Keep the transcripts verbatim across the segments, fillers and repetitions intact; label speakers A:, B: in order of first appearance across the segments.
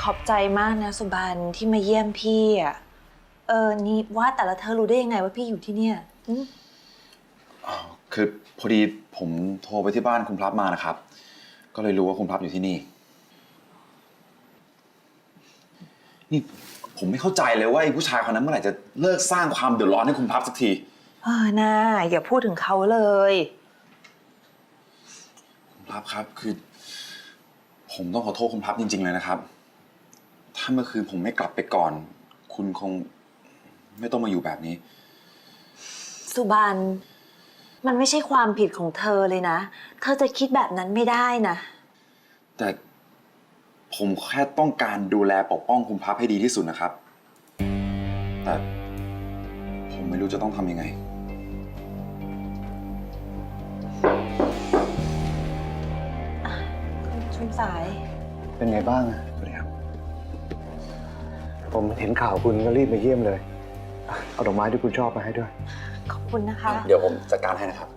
A: ขอบใจมากนะสุบันที่มาเยี่ยมพี่อ่ะเออนี่ว่าแต่ละเธอรู้ได้ยังไงว่าพี่อยู่ที่เนี่ย
B: อ๋อคือพอดีผมโทรไปที่บ้านคุณพลับมานะครับก็เลยรู้ว่าคุณพลับอยู่ที่นี่นี่ผมไม่เข้าใจเลยว่าไอ้ผู้ชายคนนั้นเมื่อไหร่จะเลิกสร้างความเดือดร้อนให้คุณพลับสักที
A: เออน่าอย่าพูดถึงเขาเลย
B: คุณพลับครับคือผมต้องขอโทษคุณพลับจริงๆเลยนะครับถ้าเมื่อคืนผมไม่กลับไปก่อนคุณคงไม่ต้องมาอยู่แบบนี้
A: สุบันมันไม่ใช่ความผิดของเธอเลยนะเธอจะคิดแบบนั้นไม่ได้นะ
B: แต่ผมแค่ต้องการดูแลปกป้องคุณพลับให้ดีที่สุดนะครับแต่ผมไม่รู้จะต้องทำยังไง
A: ชุมสาย
C: เป็นไงบ้างอะ
B: สวัสดีครับ
C: ผมเห็นข่าวคุณก็รีบมาเยี่ยมเลยเอาดอกไม้ที่คุณชอบมาให้ด้วย
A: ขอบคุณนะคะ
B: เดี๋ยวผมจัดการให้นะครับ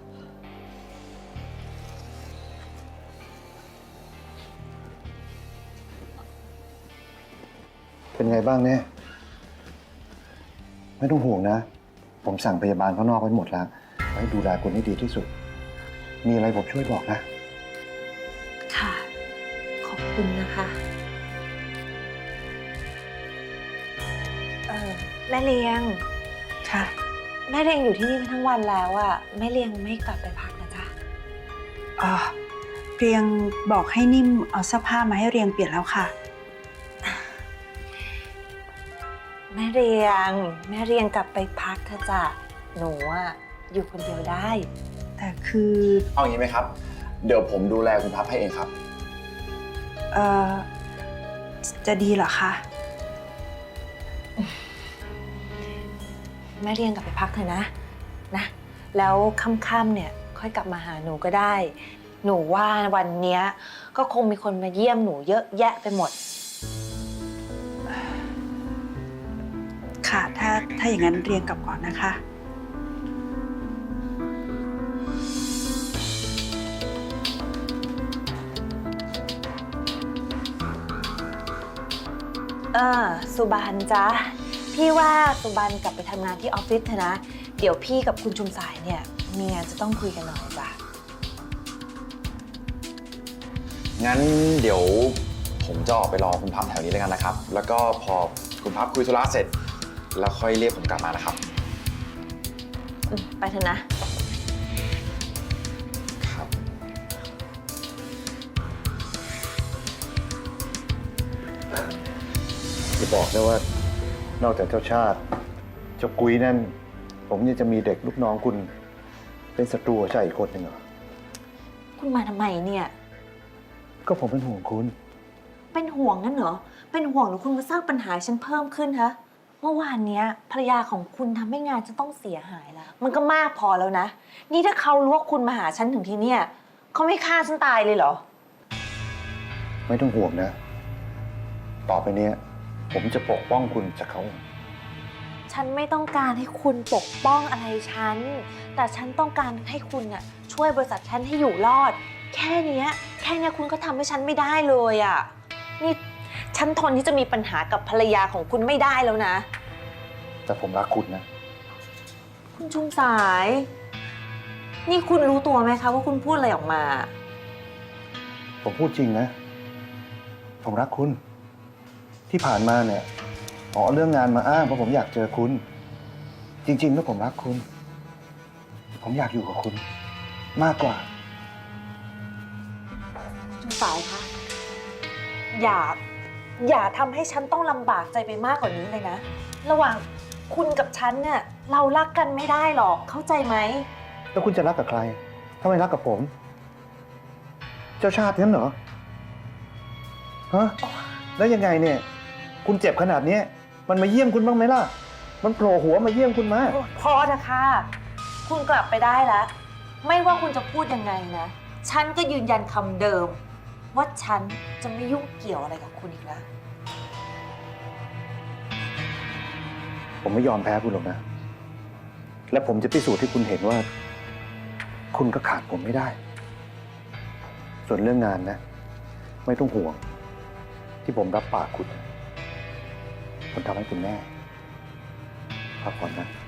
C: เป็นไงบ้างเนี่ยไม่ต้องห่วงนะผมสั่งพยาบาลข้างนอกไว้หมดแล้วไว้ดูแลคุณให้ดีที่สุดมีอะไรผมช่วยบอกนะ
A: ค่ะขอบคุณนะคะเออแม่เลี้ยงค่ะแม่เลี้ยงอยู่ที่นี่มาทั้งวันแล้วอะแม่เลี้ยงไม่กลับไปพักนะจ๊ะ
D: อ๋อเรียงบอกให้นิ่มเอาเสื้อผ้ามาให้เรียงเปลี่ยนแล้วค่ะ
A: แม่เรียงแม่เรียงกลับไปพักเถอะจ้ะหนูอะอยู่คนเดียวได้
D: แต่คือ
B: เอาอย่างนี้ไหมครับเดี๋ยวผมดูแลคุณพับให้เองครับ
D: เอ่อจะดีเหรอคะ
A: แม่เรียงกลับไปพักเถอะนะนะแล้วค่ำๆเนี่ยค่อยกลับมาหาหนูก็ได้หนูว่าวันเนี้ยก็คงมีคนมาเยี่ยมหนูเยอะแยะไปหมด
D: ค่ะถ้าถ้าอย่างนั้นเรียงกลับก่อนนะคะ
A: เออสุบันจ๊ะพี่ว่าสุบันกลับไปทำงานที่ออฟฟิศเถอะนะเดี๋ยวพี่กับคุณชุมสายเนี่ยมีงานจะต้องคุยกันหน่อยจ้ะ
B: งั้นเดี๋ยวผมจะออกไปรอคุณพับแถวนี้แล้วกันนะครับแล้วก็พอคุณพับคุยธุระเสร็จแล้วค่อยเรียกผมกลับมานะครับ
A: ไปเถอะนะ
B: ครับ
C: จะบอกนะว่านอกจากเจ้าชาติเจ้ากุ้ยนั่นผมยังจะมีเด็กลูกน้องคุณเป็นศัตรูใช่อีกคนหนึ่งเหรอ
A: คุณมาทำไมเนี่ย
C: ก็ผมเป็นห่วงคุณ
A: เป็นห่วงงั้นเหรอเป็นห่วงหรือคุณมาสร้างปัญหาฉันเพิ่มขึ้นฮะเมื่อวานนี้ภรรยาของคุณทำให้งานฉันต้องเสียหายแล้วมันก็มากพอแล้วนะนี่ถ้าเขารู้ว่าคุณมาหาฉันถึงที่เนี่ยเขาไม่ฆ่าฉันตายเลยเหรอ
C: ไม่ต้องห่วงนะต่อไปนี้ผมจะปกป้องคุณจากเขา
A: ฉันไม่ต้องการให้คุณปกป้องอะไรฉันแต่ฉันต้องการให้คุณน่ะช่วยบริษัทฉันให้อยู่รอดแค่นี้แค่นี้คุณก็ทำให้ฉันไม่ได้เลยอ่ะนี่ฉันทนที่จะมีปัญหากับภรรยาของคุณไม่ได้แล้วนะ
C: แต่ผมรักคุณนะ
A: คุณชุมสายนี่คุณรู้ตัวไหมคะว่าคุณพูดอะไรออกมา
C: ผมพูดจริงนะผมรักคุณที่ผ่านมาเนี่ยขอเรื่องงานมาอ้างเพราะผมอยากเจอคุณจริงๆแล้วผมรักคุณผมอยากอยู่กับคุณมากกว่า
A: ชุมสายคะอย่าอย่าทำให้ฉันต้องลำบากใจไปมากกว่านี้เลยนะระหว่างคุณกับฉันเนี่ยเรารักกันไม่ได้หรอกเข้าใจไหม
C: แล้วคุณจะรักกับใครถ้าไม่รักกับผมเจ้าชาติงั้นเหรอฮะแล้วยังไงเนี่ยคุณเจ็บขนาดนี้มันมาเยี่ยมคุณบ้างไหมล่ะมันโผล่หัวมาเยี่ยมคุณมา
A: พอเถอะค่ะคุณกลับไปได้แล้วไม่ว่าคุณจะพูดยังไงนะฉันก็ยืนยันคำเดิมว่าฉันจะไม่ยุ่งเกี่ยวอะไรกับคุณอีกแล้ว
C: ผมไม่ยอมแพ้คุณหรอกนะและผมจะพิสูจน์ให้คุณเห็นว่าคุณก็ขาดผมไม่ได้ส่วนเรื่องงานนะไม่ต้องห่วงที่ผมรับปากคุณ ผมทำให้คุณแน่พักผ่อนนะ